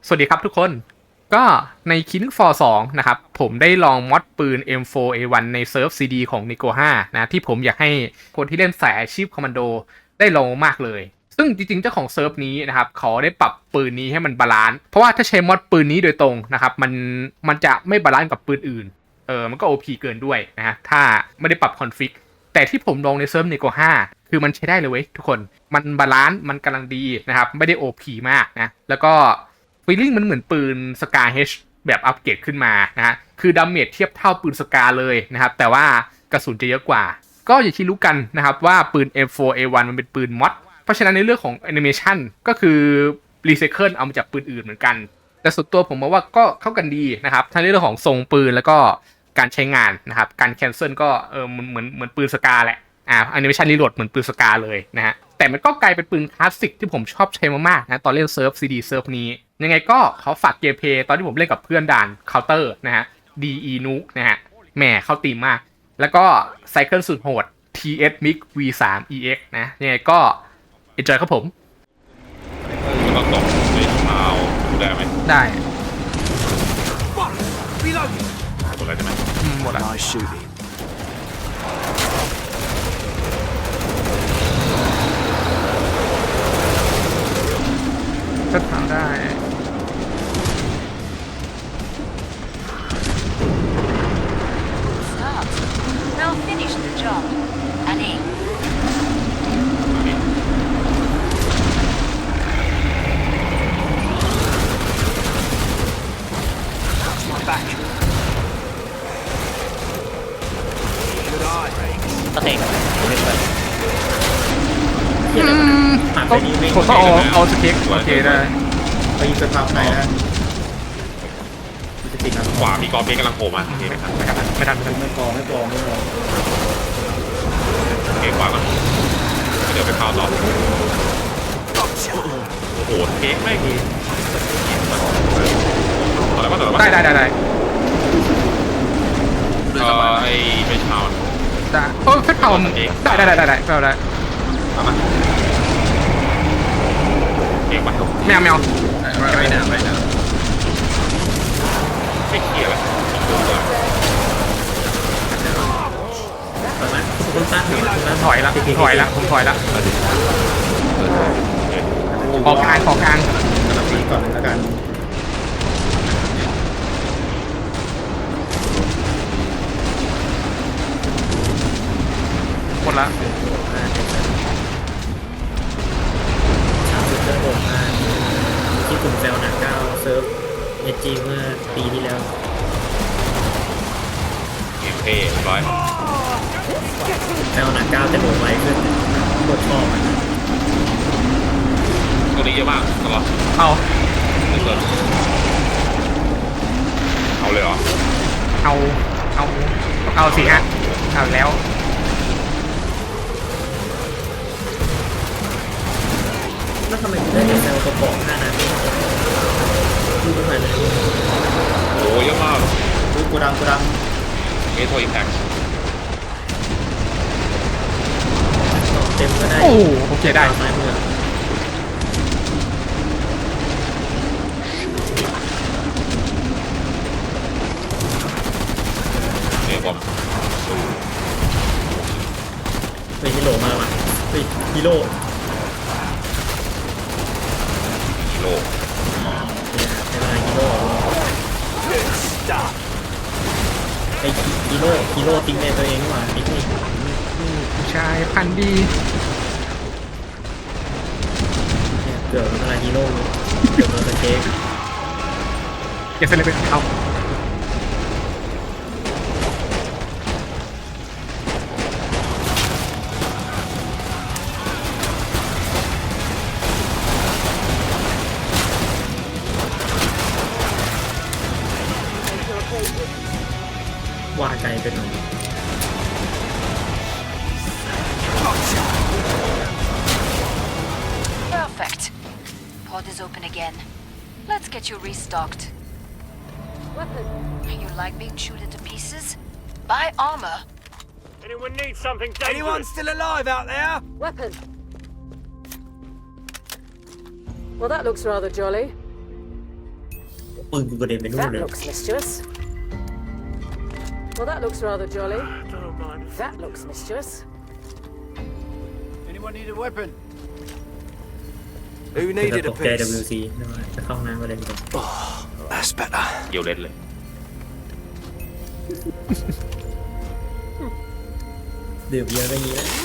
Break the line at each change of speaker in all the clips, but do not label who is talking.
สวัสดีครับทุกคนก็ใน Killing Floor 2นะครับผมได้ลองมอดปืน M4A1 ในเซิร์ฟ CD ของ Nico 5นะที่ผมอยากให้คนที่เล่นสายอาชีพคอมมานโดได้ลองมากเลยซึ่งจริงๆเจ้าของเซิร์ฟนี้นะครับเขาได้ปรับปืนนี้ให้มันบาลานซ์เพราะว่าถ้าใช้มอดปืนนี้โดยตรงนะครับมันจะไม่บาลานซ์กับปืนอื่นมันก็ OP เกินด้วยนะฮะถ้าไม่ได้ปรับคอนฟิกแต่ที่ผมลองในเซิร์ฟ Nico 5คือมันใช้ได้เลยเว้ยทุกคนมันบาลานซ์มันกำลังดีนะครับไม่ได้ OP มากนะแล้วก็ฟีลลิ่งมันเหมือนปืนสกา H แบบอัปเกรดขึ้นมานะฮะคือดาเมจเทียบเท่าปืนสกาเลยนะครับแต่ว่ากระสุนจะเยอะกว่าก็อย่างที่รู้กันนะครับว่าปืน M4A1 มันเป็นปืนมอดเพราะฉะนั้นในเรื่องของแอนิเมชันก็คือรีไซเคิลเอามาจากปืนอื่นเหมือนกันแต่ส่วนตัวผมมองว่าก็เข้ากันดีนะครับทั้งในเรื่องของทรงปืนแล้วก็การใช้งานนะครับการแคนเซิลก็เหมือนปืนสกาแหละแอนิเมชันรีโหลดเหมือนปืนสกาเลยนะฮะแต่มันก็กลายเป็นปืนคลาสสิกที่ผมชอบใช้มากๆนะตอนเล่นเซิร์ฟ CD เซิร์ฟนี้ยังไงก็ขอฝากเกมเพลย์ตอนที่ผมเล่นกับเพื่อนด่านเคาน์เตอร์นะฮะ DE Nuke นะฮะแหมเข้าตีมมากแล้วก็ไซเคิลสุดโหด TS Mix V3 EX นะยังไงก็ enjoy ครับผม
ก็ตกในเท้าได้ไหม
ได้
หมดแล้วใช่ไหม
หมดแล้วก็ทำได้
Stop. They'll finish the job. Annie. That's my back. Good eye.
สเต็ก
ผมต้องเอาสเก็กโอเคได้
ไปยิงเป็นภาพไหนนะจะติดนะ
ขวามีกอล์ฟกำลังโผล่มาโอเคครับ
ไม่ทัน
ไม่พอ
โอเคขวาก่อนเดี๋ยวไปเข้าต่อโอ้โหเค้กไม่ดีต่อแล้วก็ต่อแล้ว
ได้ไ
อ้เป็นชาว
ด้เพชรเผาได้
เอามาเค้กไป
แมว
ไม่น่าไม่เคลียร์ละ
ตอนนั้นคุณตั้งอยู่แล้ว
ถอยละผมถอยละขอกลาง
กำลังตีก่อนแล้วกัน
หมดละ
สุดเจอผมมาที่กลุ่มแซวหนักก้าวเซิร์ฟเอจีเมื่อปีที่แล้ว
เกมเท่ร้อย
แซวหนักก้าวจะโดนไวขึ้นกดชอบมัน
ตัวนี้เยอะมากตลอด
เอา
เลยเหรอ
เอาสิฮะเอาแล้ว
แล้วทำไมถึงได้แต่แซวกระป๋อง5 นาทีดูตรงไหนเลย
โอ้เยอะมาก
ดูกูดัง
เมโทรอิมแพค
เต็มก็ได้
โอเคได้
ซ้ายมือ
เนี่ยผม
เป็นฮีโร่มาว่ะฮีโร่ไอ้ฮีโร่ติ้งในตัวเองว่ะไอ้ที่
ผู้ชายพันดี
เกิดอะไรฮีโร่เกิดมาเค้ก
เก็บเสร็จเลยเอา
ว่าใจเป็นหน่อย
Perfect. Pod is open again. Let's get you restocked. Weapon. You like being chewed into pieces? Buy armor.
Anyone need something dangerous?
Anyone still alive out there?
Weapon. Well, that looks rather jolly.
ปืนกูกระเด็นไปนู่น
That
เลย
looks mischievous. Well, that looks rather jolly.
Don't mind.
That looks mischievous.
Anyone need a weapon? Who
แต่
needed
ต
a
กใจ
piece?
WC นะว่าจะเข้าห้องน้ำก็เลยไป
That's better.
เกี่ยวเล่นเลย
ดื่มเยอะก็ยี้แล้ว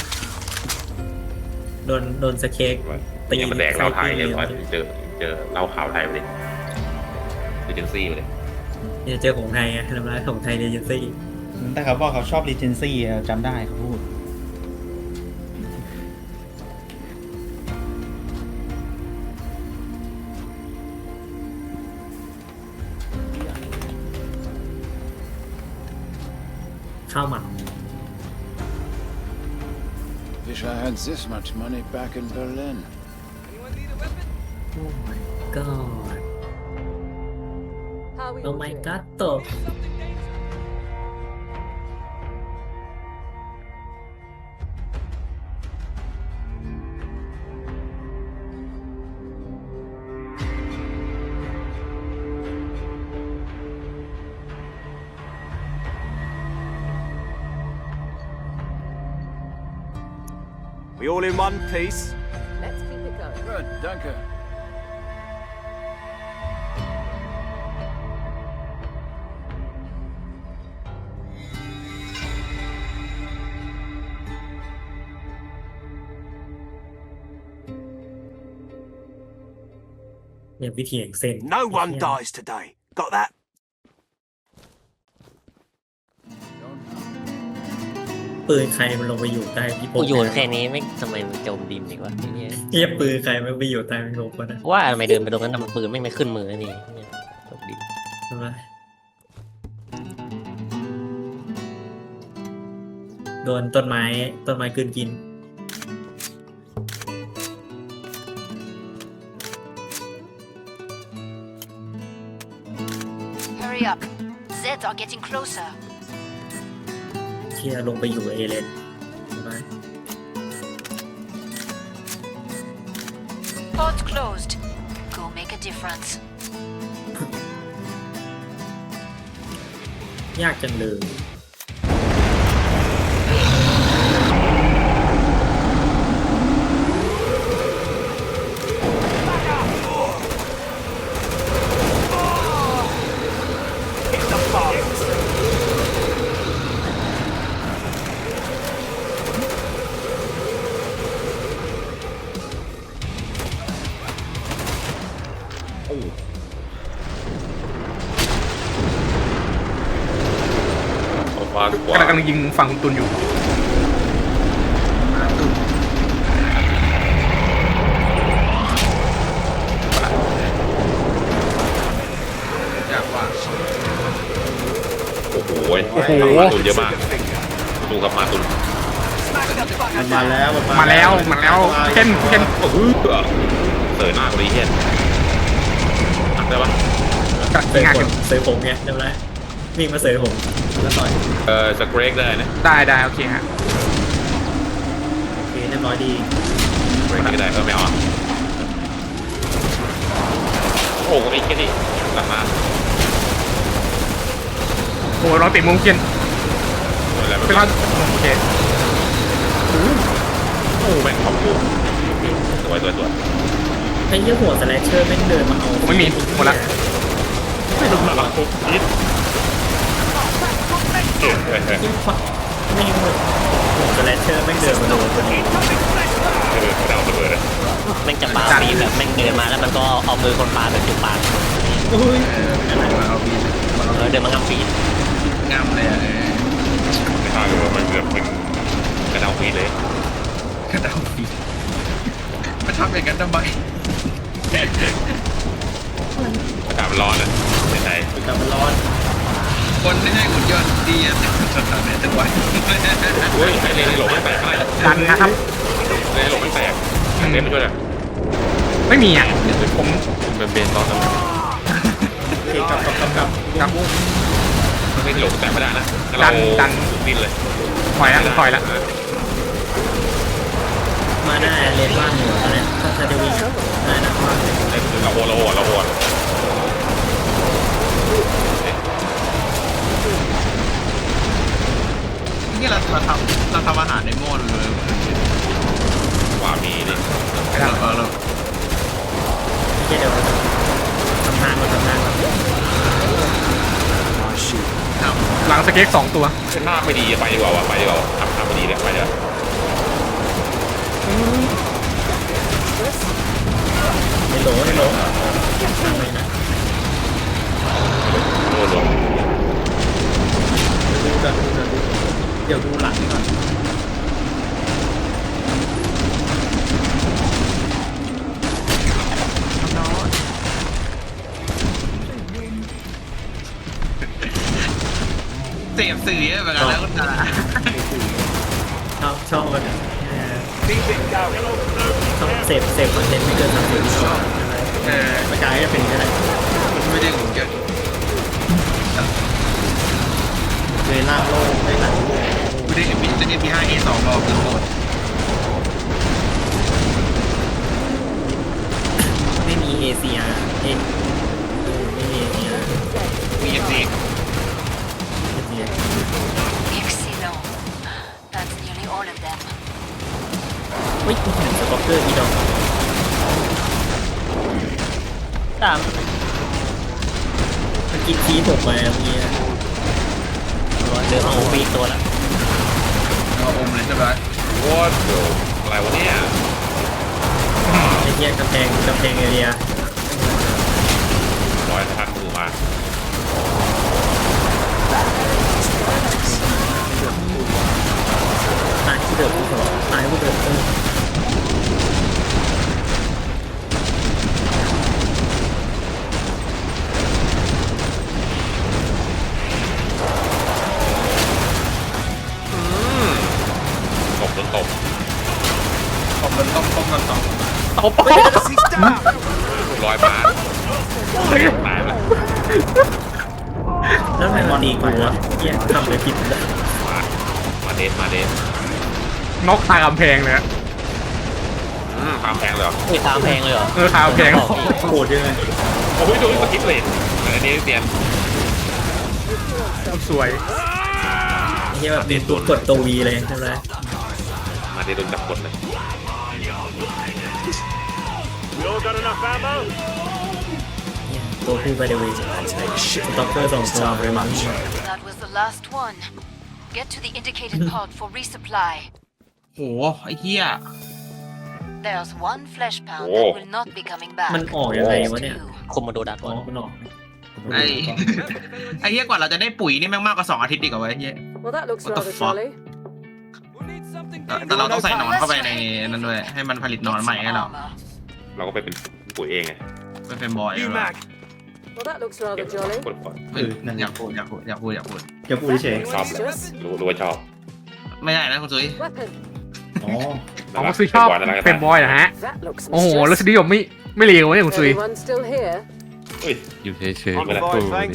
โดนสเค้ก
ตีมันแดกเหล้าไทยเนี่ยว่าเจอเหล้าขาวไทยไปเลยเอเจนซี่ไปเลย
เนี่ยเจอของไทยไงทำร้ายของไทยเอเจนซี่
แต่เขาบอกเขาชอบรีเจนซี่จำได้เขาพูด
ข้าวหมัก
Wish I had this much money back in Berlin.
โอ้ my god
How are we
โอ้
all
my
doing?
god ตก
We all in one piece?
Let's keep it going.
Good, danke.
เนี่ยวิธีแห่งเส้น
No one dies today. Got that?
ปืนใครมันลงไปอยู่ใต้พี่โป๊
กูโยนแค่นี้ไม่ทำไมมันจมดินอีกวะไอ้เนี่ย
เทียบปืนใครมันไปอยู่ใต้พี่โป๊ก็นะ
ว่าทำไมเดินไปตรงนั้นทำไมปืนไม่ขึ้นมือนี่เนี่ยจมดิน
ใช่ไหมโดนต้นไม้กลืนกิน
Hurry up. Zed are getting closer.
เที่ยลงไปอยู่เอเลนใช่ไหม
Port closed. Go make a difference.
ยากจังเลย
เอาฟ้าดีกว่าก
ำลังยิงฝั่งคุณตุนอยู่
ยากว่าโอ้โห
โอ้โห
ตุนเยอะมากตุนครับมาตุน
มันมาแล้ว
มาแล้วเคน
โอ้โหเสยหน้ากูดีเฮียอัดได้ปะ
กำลัง
เส
ยิ
ย
งงาน
ผ
กัน
มเสยผมไงจำได้วิ่งมาเสยผมแล้วต่อย
สเกรกได้นะ
ได้โอเคฮะ
โอเคเรียบร้อยดี
สเกรกก็ได้ไม่เอาโอ้โหไอ้แค่นี้หลังมา
โอ้เราติดมุมเคน
อะไร
เป็นว่าโอเค
โอ้แม่งขอบคุณสวย
ไอ้เหี้ยหัวสแลชเชอร์แม่งเดินมาเอา
ไม่มีหมดละ
ไม่รู้หลังปุ๊บนิด
ยิ่งฝักไม่หัวสแลชเชอร์แม่งเดินมาโดนคนนี้
ไม่เอาระเบิดเลย
แม่งจะปาปีแบบแม่งเดินมาแล้วมันก็เอามือคนปาแบบจุดปาก
อุ้ย
เดินมางำปีน
ไม่ฆ่าเลยว่ามันเกือบเป็นกระเดาฟีดเลย
มาทำอย่างนั้นทำไม
อากาศมันร้อนอ่ะในไทย
แต่มันร้อน
คนไม่ใช่หุ่นยนต์ดีอะทำเนี่ยจะไหว
เฮ้ยไอ้เลนหลบไม่แตกอะไร
ดันนะครับ
เลนหลบไม่แตกเลนไม่ช่วยเลย
ไม่มีอ่ะผม
เป็นเบนตอนนั้น
โอเคกลับ
ครับ
ไม่หลบแตกไม่ได้นะ
ดัน
ดิ้นเลย
ถอยละ
มาหน้าเลนบ้านหัวแล้วเนี่ยถ้าจะวิ่งได้นะว่า
เราโหน
ำทางก่อนทำทางก่อน
My shield.
หลังสเก็ก2 ตัว
หน้าไม่ดีไปดีกว่าวะไปดีกว่าทำไม่ดีเลยไปเลย
ในโหลในโหลทางไปนะ
รวม
ดูก่อนเดี๋ยวดูหลังก่อน
เสพสื่อเยอะเหมือนกันแล้วคุณตา
ชอบมัน
Keep it going.
ชอบเสพคอนเทนต์ไม่เกิน30 วิชอบ ประกายจะเป็นแค่ไหน
ไม่ได้หุ่นยนต์
เลยล่างโลกได้หลังโลก
ไม่ได้มีจะมี5A2 รอคือโหด
ไม่มี ACR ไม่มี ACR
มี FC
Excellent. That's nearly all of them.
เฮ้ยมีแข่งสต็อกเกอร์อีดอก
ตาม
มันกินทีผมมาเมื่อกี้
เดินมาโอวีตัวละ
เอาอมเลยใช่ไหม
วอดอะไรวะเนี่ย
ไอ้เหี้ยกำแพงเอเรีย
ร้อยทันมือมา
ตายผู้เดิมผู้สองตายผู้เดิม
ตบจนตบ
ต้มกันต่อ
He's down.
ร้อยมาตายละ
แล้วทำไมมันดีกว่าวะเหี้ยทำเลยผิดเลย
มาเดน
น็อกคากำแพงเลยอะ
ความแพงเลยเหรอ
อุ้ยตามแพงเลยเหรอ
คากำแพง
โหดยังไง
โอ้ยดูสกิปเลยอันนี้เปลี่ยน
สวย
เหี้ยแบบตัวกดตัววีเลยใช่ไหม
มาเดนโดนจับกดเลย
We all got enough ammo?
ตัวผู้ไปเดวีสต็อกเกอร์2 ตัวเลยมั้ง
That was the last one. Get to the indicated pod for resupply.
โหไอ้เหี้ย
There's one flesh pound that will not be coming back.
มันออกยังไงวะเนี่ย
Two.
คมมาโดดัก
อ๋
ก่
อ
อน
มันออก
ไอ้ ไอ้เหี้ยกว่าเราจะได้ปุ๋ยนี่แม่งมากกว่า2 อาทิตย์ดีกว่าไอ้เหี้ย
Well, that looks
What the
rather
fuck?
jolly.
We'll need something
แต่เราต้องใส่หนอนเข้าไปในนั้นด้วยให้มันผลิตหนอน
Get
ใหม่
some
ให้เรา
armor.
เราก็ไปเป็นปุ๋ยเองไง
เป็นบอย
New mag.
Well, that looks
เก็
rather
บ
jolly.
กดก่อน
อยากพูด
จะพูดเฉย
ชอบเลยรู้ว่าชอบ
ไม่ได้นะคุณซุย
Weapon.
อ๋อ
ของคุณซุยชอบเป็นบอยเหรอฮะ
That looks
โอ้โหรส
mischievous.
นิยมไม่เลวเนี่ยคุณซุย
Anyone still here?
เฮ้ย
อยู่เฉยๆ
เอาไปเลย
ตู้
Thanks.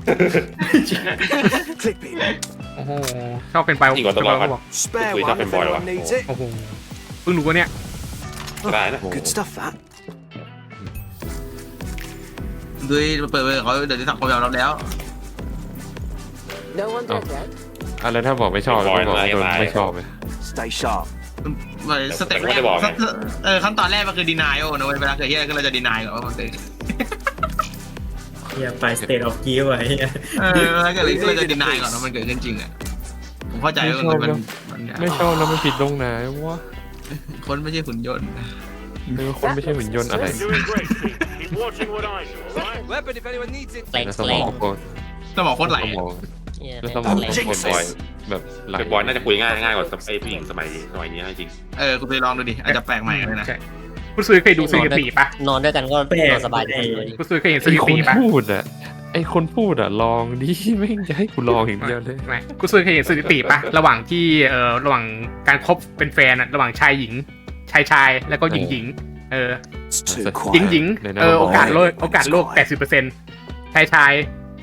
นี่
Clip it.
โอ้โหชอบเป็นไป
จริงกว่าต้องรอก่อน
Spare
Wait,
one
up in
if
boy,
anyone
right?
needs it.
โอ้โหเพิ่งรู้ว่าเนี่ย
ได้นะ
Good stuff, that.
ด้วยเปิดเผยเขาเดี๋ยวจะสังคมยอมรับแล้ว
No one dead yet.
อะไรถ้าบอกไม่ชอบ
เป็นบอย
ก็บอก
อะไร
โดน
อะไร
ไม่ชอบเลย
Stay sharp.
สเต็ปแรกขั้นตอนแรกมันคือ denial นะเว้ยเวลาเกิดเหี้ยก็เราจะ deny ก่อนว่ามันเป็น
เหี้ยไปสเตทออฟกิฟต์ไอ้เหี้ย
แล้วก็เลยเราจะ deny ก่อนว่ามันเกิดขึ้นจริงอ่ะผมเข้าใจว่ามัน
ไม่ชอบแล้วมันผิดตรงไหนวะ
คนไม่ใช่หุ่นยนต์
คนไม่ใช่หุ่นยนต์อะไร
Doing great, team. Keep watching what I do, alright?
Weapon if anyone needs it.
แรง
แล้วส
แร
มอง งโคตร
สมองโคตรไหล
สมอง
เนี่ย
แล้วสมอง
แรง
โคตรบอยแบบไหล
เป็นบอยน่าจะคุยง่ายกว่าไอ้ผู้หญิงสมัยนี้จริง
คุณไปลองดูดิอาจจะแปลกใหม่เลยนะ
ใช่คุณซุยเคยดูสถิติปะ
นอนด้วยกันก็นอนสบายดี
คุณซุยเคยเห็นส
ไอ้
ถิ
ค
ติ
น
ปะ
พูดอ่ะไอ้คนพูดอ่ะลองดิไม่งจะให้กูลองอย่างเดียวเลย
ไม่คุณซุยเคยเห็นสถิติปะระหว่างที่ระหว่างการคบเป็นแฟนอะระหว่างชายหญิงชายแล้วก็หญิง
It's too
หญิง
quiet.
หญิงโอกาสโลก 80%ชาย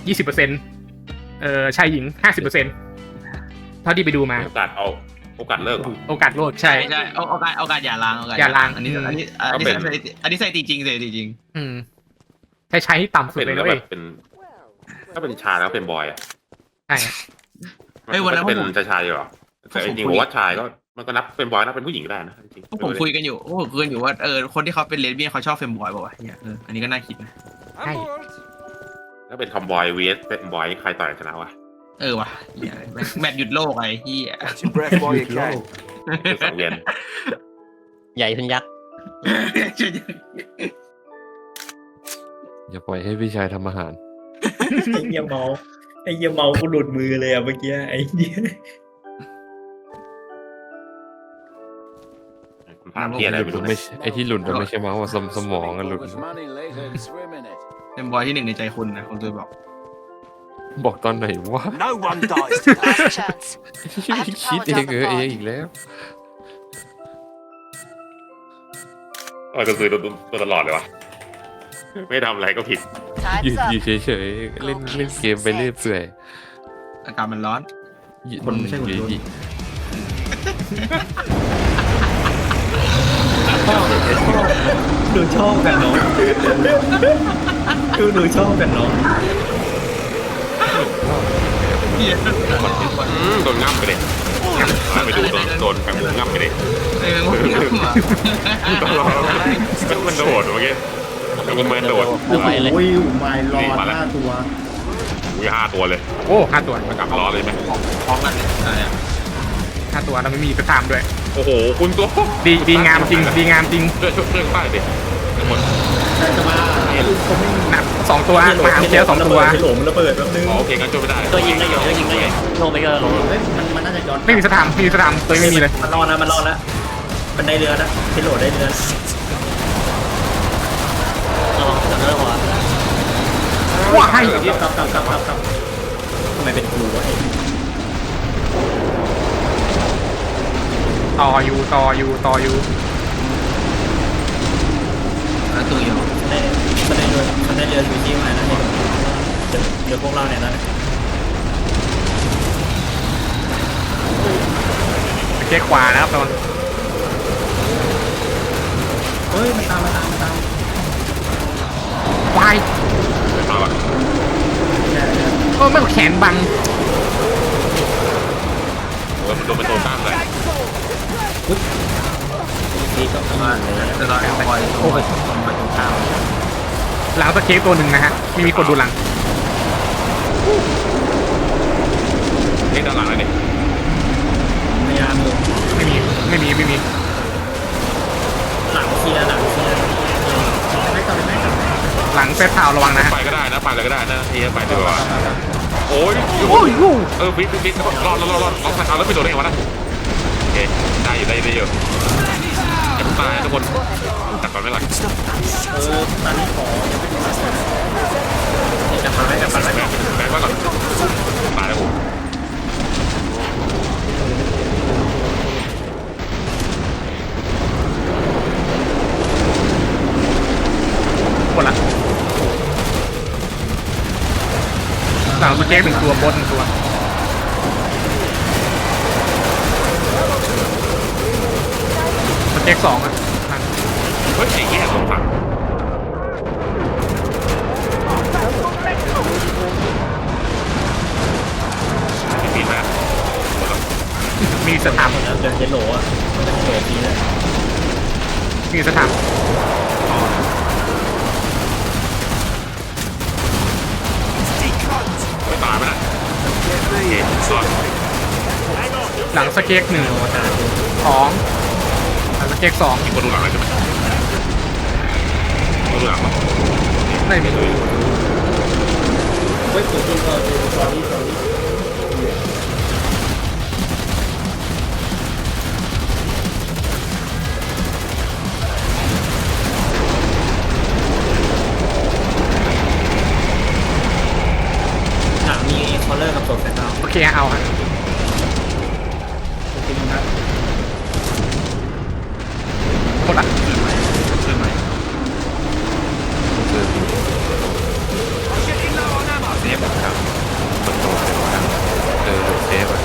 20%ชายหญิง 50%เท่าที่ไปดูมา
โอกาสเลิก
โอกาสโลกใช่
ใช่โอกาสอย่าล้าง
อย่าล้าง
อันนี้ใส่ตีจริงจริง
อืมชายที่ต่ำสุด
เป็น
เลย
แล้
นะ
วแบ
เว้ย
บเป็นถ้าเป็นชายแล้วเป็นบอยอ่ะ
ใช่
มันจะเป็นชายอยู่หรอแต่จริงๆผมว่าชายก็มันก็นับเป็นบอยนับเป็นผู้หญิงก็ได้นะจริง
ผมคุยกันอยู่ว่าคนที่เขาเป็นเลสเบี้ยนเขาชอบเฟมบอยป่าวะเนี่ยอันนี้ก็น่าคิดนะ
Hey.
On board.
แล้วเป็นคอมบอย vs เป็นบอยใครต่อยชนะวะ
เออว่ะเหี้ยแมตช์หยุดโลกไอ้เหี้ย
Catch your breath while you can.
คือสังเวียน
ใหญ่ขึ้นยักษ์
อย่าปล่อยให้พี่ชายทำอาหาร
ไอ้เหี้ยเมาไอ้เหี้ยเมากูหลุดมือเลยอะเมื่อกี้ไอ้เหี้ย
ถามที่อะไรไม่รู้
ไม่
นะ
ใช่ไอ้ที่หลุดมันไม่ใช่เมาส์ว่าสมองอะหลุด
Focus money later and swim in it.
เป็นบอยที่หนึ่งในใจคุณนะคุณตัวบอก
บอกตอนไหนวะ
No one dies today.
Last chance. I have to
คิด
power
เอง
down the
เอง
pod.
อีกแล้ว
ก็ซื้อตัวตลอดเลยวะไม่ทำอะไรก็ผิด
อยู่
Time's
อยู่
up.
เฉยๆเล่นเกมไปเรื่อยเปื่อย
อากาศมันร้อน
คนไม่ใช่คนรุ่นหนูชอบกันเนาะคือหนูชอบกันเนาะ
เหี้ย
โดนง่ำไปเลยไปดูโดนแฟนมุงง่ำไปเลย
เออมันงับอ่ะ
มันโดดเมื่อกี้มันโดด
ไปเลย
โอ้ยไม่รอด5 ตัว
อุ้ย5 ตัวเลย
โอ้5 ตัว
มันกลับล้อเลยไหม
พร้อมกันเลยอะไรอ่ะ
5 ตัวแล้วไม่มีสตามด้วย
โอ้โหคุณตัว
ดีงามจริงดีงามจริง
ช่วยป้ายดิทั้งหมด
แต่จะมาเขาไม่
หนัก2 ตัวมาเจอ2 ตัว
ให้หลงมันระเบิดแป๊บนึง
โอเคงั้นช่วยไม่ได้
ตัวยิงได้อยู่ตัวยิงได้อยู่ลงไปก็ลง
เฮ้ยมันน่าจะย้อน
ไม่มีสตามตัวไม่มีเลย
มันรอดนะมันรอดแล้วมันได้เรือนะให้โหลดได้เรือ
ระวังจะเริ่มว่ะ
ว้าย
กลับทำไมเป็นกูวะไอ้
ต่ออยู่
แล้วตัวเดียว
มันได้เรือชูชีพมานะเดี๋ยวพวกเราเนี่ยนะ
เช็คขวานะครับตอน
เฮ้ยมันตาม
วาย
มาแบบ
ไม่แขนบัง
มันโดนเป็นตัวตั้งเลย
นี่ก็ประมาณเลย
จะรอคอยโอ้โหมาตรงข้าม
หลังสเก็ตตัวหนึ่งนะฮะไม่มีกดดูหลัง
เล่นด้านหลังเลยดิ
พยายามอยู่
ไม่มี
หลังเคลียร์ไม่ต่อไม่
หลังเซตเท้าระวังนะฮะ
ไปก็ได้นะไปเลยก็ได้นะเฮียไปดีกว่าโอ้ยฟิตรอดล็อกใส่เขาแล้วไม่โดนได้ไงวะนะโอเคได้อยู่อย่าตายทุกคนจับก่อนไม่หลัง
ตอนนี้ขอจะมาไม่จะมาไม่
แบงค์ไว้ก่อนตายแล้วผม
หมดละหลังสเก็ต1 ตัวบน1 ตัวสเก็ต2อ่ะ
เฮ้ยไอ้แย่สองฝั่งไม่ผิดนะ
มีสถาม
เดี๋ยวเจโหลอ่ะโหลทีเลย
มีสถาม
ไม่ตายไปนะโอเครอด
หลังสเก็ต1 2หลังสเก็ต2
มีคนดูหลังอะไรใช่ไหมคนดูหลังมั้ย
ไม่มี
เฮ้ยตัวจริงก็ดูตอนนี้มีคอลเลอร์กับศพแต่เรา
โอเคเอาฮะ
จริงนะ
หมดละ
ขึ้นไหม
Getting low on ammo.
เซฟครับมันโดนเซฟอ่ะ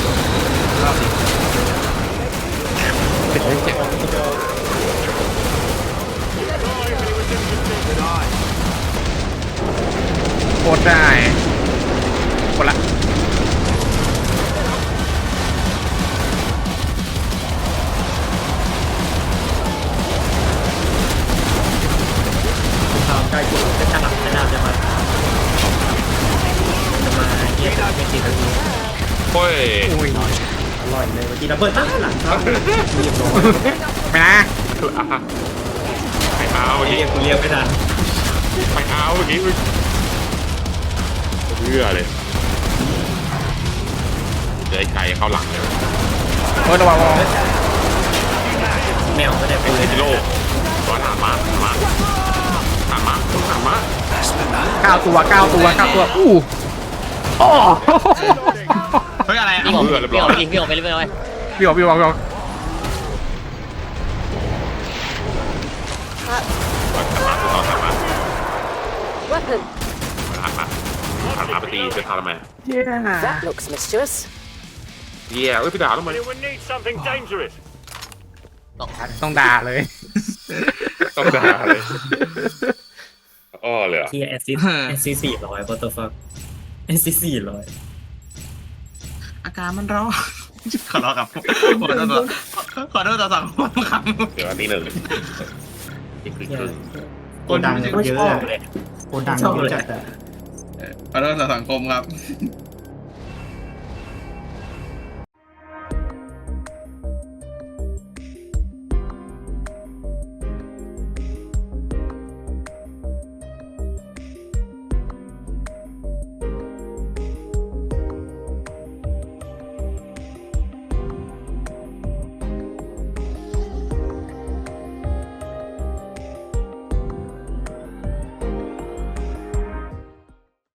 เป็นเรื่องเจ็บ
โคตรได้หมดละ
ข่าวใกล้จุดจะฉลับ
โอ้ย
อุ้ย
อร่อยเลยเมื่อกี้ระเบิดตั้งหลังครับเรียบร้อย
ไม่นะ
ไม่เอาเมื่อ
เรี
กี้
ยกกูเรียกไม่ทัน
ไม่เอาเมื่อกี้เบื่อเลยเดี๋ยวไอ้ไก่เข้าหลังเลย
ระวัง
แมวไม่ได้ไป
ไอ้จิโร่ร้อนหามมา
9 ตัวอู้โอ้
เฮ้ยอะไรอ่ะ
พี่ออกไปยิงพี่ออกไปเรื่อย
พี่บอก
มา
Weapon.
หันมาไปตีจะทำทำไม
That looks mischievous.
เหี้ยเอ้ยพี่ด่าทำไม
Anyone need something dangerous?
ต้องด่าเลย
ต้องด่าเลยอ้อเลยอ่ะ
ที่แอสซิส400 what the fuck แอสซิส400
อาการมันร้อนขอโทษครับขอโทษต่อสังคมครับ
เดี๋ยวอันนี้หนึ่งอีกครึ่ง
โกดังเยอะเลยโกดังเยอะจัดอะ
ขอโทษต่อสังคมครับ
เ